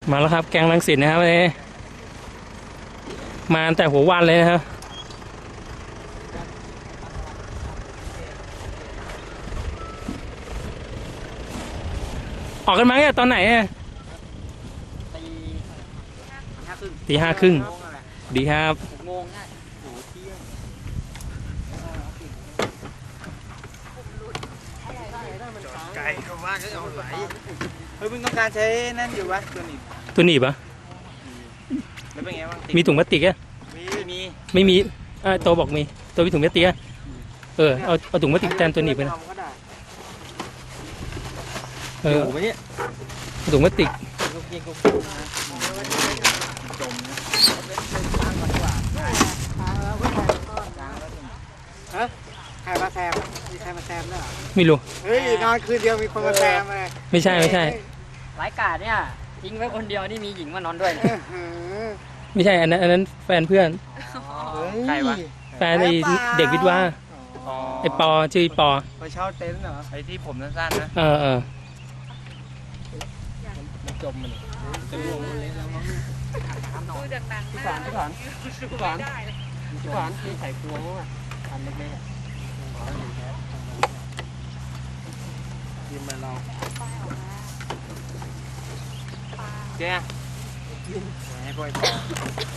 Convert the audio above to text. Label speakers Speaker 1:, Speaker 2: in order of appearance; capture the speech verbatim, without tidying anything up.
Speaker 1: มาแล้วครับแกงรังสิตนะครับวันนี้มาแต่หัววันเลยนะครับออกกันมาเนี่ยตอนไหนอ่ะตีห้าครึ่งดีครับ
Speaker 2: โมงง่ายโหเที่ยงไก่เข้ามาก็เอาไหลเฮ้ยมึงต้องการใช้นั่นอยู่วะตัวนี้
Speaker 1: ตัวหนีบปะ
Speaker 2: แล้วเป็นไงบ้าง
Speaker 1: มีถุงพลาสติกอ่ะ
Speaker 2: มีมี
Speaker 1: ไม่มีอ่าตัวบอกมีตัวมีถุงพลาสติกอ่ะเออเอาเอาถุงพลาสติกแทนตัวหนีบไปนะเออถุงพลาสติก
Speaker 2: ลูกยิงกูจมนะฮะใครมาแซมมีใครมาแซมด้วยเหรอ
Speaker 1: ไม่รู้
Speaker 2: เฮ้ยนอนคืนเดียวมีคนมาแซมเลย
Speaker 1: ไม่ใช่ไม่ใช่
Speaker 3: หลายกาดเนี่ยทิ้งไว้คนเดียวนี่มีหญิงมานอนด้วย
Speaker 1: ไม่ใช่อันนั้นอันนั้นแฟนเพื่อน
Speaker 2: ใครวะ
Speaker 1: แฟนไอเด็กวิทย์ว่าไอปอชื่อปอ
Speaker 2: ไปเช่าเต็นท์เหรอไอที่ผมสั้นๆนะ
Speaker 1: เออเออ
Speaker 2: จมมันจะร่วงมันเละแล้วมั้ง
Speaker 3: ดูจากหนังพี่
Speaker 2: สารพี่สารพี่สารพี่สารมีไข่พวงอ่ะอันเล็กๆอ่ะกินไปเราแกให้พ่อย